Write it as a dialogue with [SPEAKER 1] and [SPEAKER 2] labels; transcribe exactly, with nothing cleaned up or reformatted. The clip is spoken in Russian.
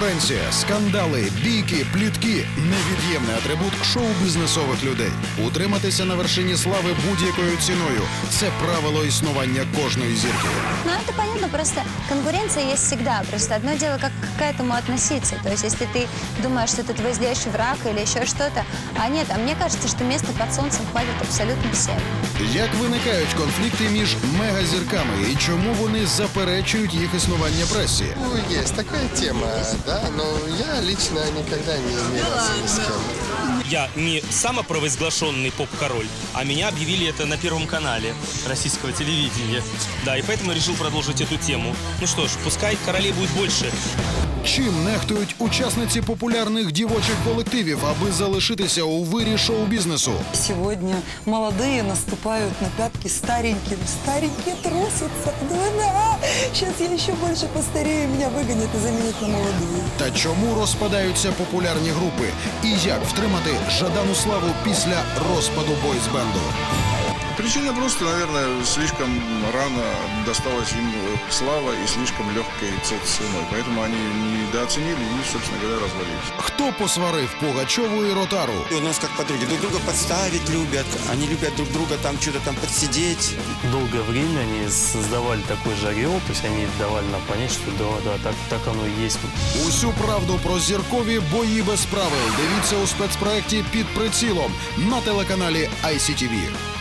[SPEAKER 1] Конкуренція, скандали, бійки, плітки – невід'ємний атрибут шоу-бізнесових людей. Утриматися на вершині слави будь-якою ціною – це правило існування кожної зірки.
[SPEAKER 2] Ну, это понятно, просто конкуренция есть всегда. Просто одно дело, как к этому относиться. То есть, если ты думаешь, что это твой злейший враг или еще что-то, а нет, а мне кажется, что места под солнцем хватит абсолютно всем.
[SPEAKER 1] Як виникають конфлікти між мегазірками і чому вони заперечують їх існування пресі?
[SPEAKER 3] Ну, есть такая тема, да, но я лично никогда не имелся ни с кем.
[SPEAKER 4] Я не самопровозглашенный поп-король, а меня объявили это на Первом канале российского телевидения. Да, и поэтому решил продолжить эту тему. Ну что ж, пускай королей будет больше.
[SPEAKER 1] Чим нехтують учасниці популярних дівочих колективів, аби залишитися у вирі шоу-бізнесу?
[SPEAKER 5] Сегодня молодые наступают на пятки стареньким. Старенькие трусятся. Да-да. Сейчас я еще больше постарею, меня выгонят и заменят на молодую.
[SPEAKER 1] Та чому розпадаються популярні групи? І як втримати жадану славу після розпаду бойз-бенду?
[SPEAKER 6] Причина просто, наверное, слишком рано досталась им слава и слишком легкой ценой. Поэтому они недооценили и, собственно говоря, развалились.
[SPEAKER 1] Хто посварив Пугачову і Ротару?
[SPEAKER 7] У нас как подруги. Друг друга подставить любят. Они любят друг друга там что-то там подсидеть.
[SPEAKER 8] Долгое время они создавали такой же ореол, то есть они давали нам понять, что да, да, так, так оно и есть.
[SPEAKER 1] Усю правду про зіркові бої без правил дивіться у спецпроекті «Під прицілом» на телеканалі ай сі ті ві.